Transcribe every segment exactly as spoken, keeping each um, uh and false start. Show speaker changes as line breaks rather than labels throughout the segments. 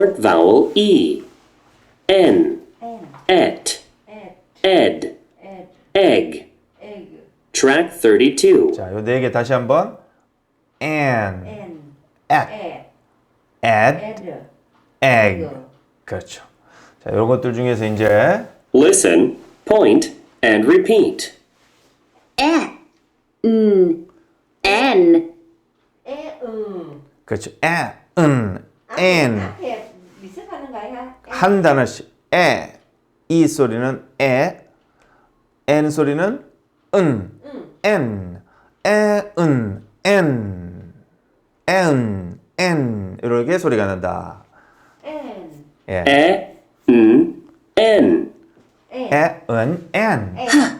vowel E. N.
N,
Et.
at,
Ed.
at,
Egg.
egg,
Track thirty-two.
자, 요 네 개 다시 한번. and,
N,
at,
at,
add,
add,
egg. 그렇죠. 자, 이런 것들 중에서 이제
Listen, point, and repeat.
에, 음, 엔,
에, 음.
그렇죠. 에, 은, n
앞에 미습하는가요?
한 단어씩. 에, 이 소리는 에, n 소리는 은, n, 에, 은, n, n, n 이렇게 소리가 난다.
N,
예.
E. N. N.
N,
에, 은, n.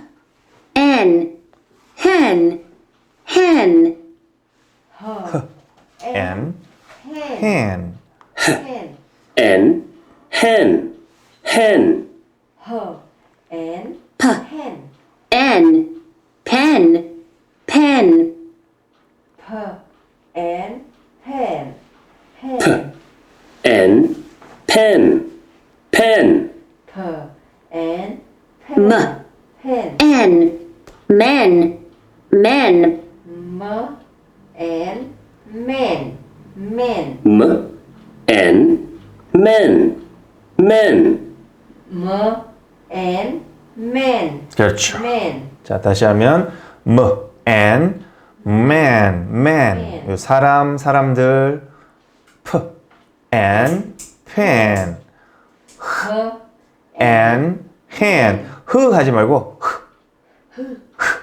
N,
엔, hen, hen,
her,
n,
hen,
hen.
hen,
N. Hen. Hen.
her, and,
p,
hen,
en, pen, pen,
per, and, pen, hen,
N. Pen. Pen.
per, and,
M.
pen, pen,
en, men, men,
m, and, men, men,
M. N. Men. Men.
m, and, men,
그렇죠.
men,
자, 다시 하면 m, n, man, man. 요 사람, 사람들. p, n, pen,
her,
n, hand. 흐 하지 말고 흐. 흐.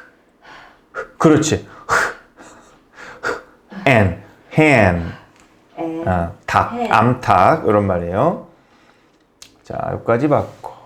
흐. 그렇지. 흐. 흐. n, hand.
and,
아, 닭,
hand.
암탉 이런 말이에요. 자, 여기까지 봤고.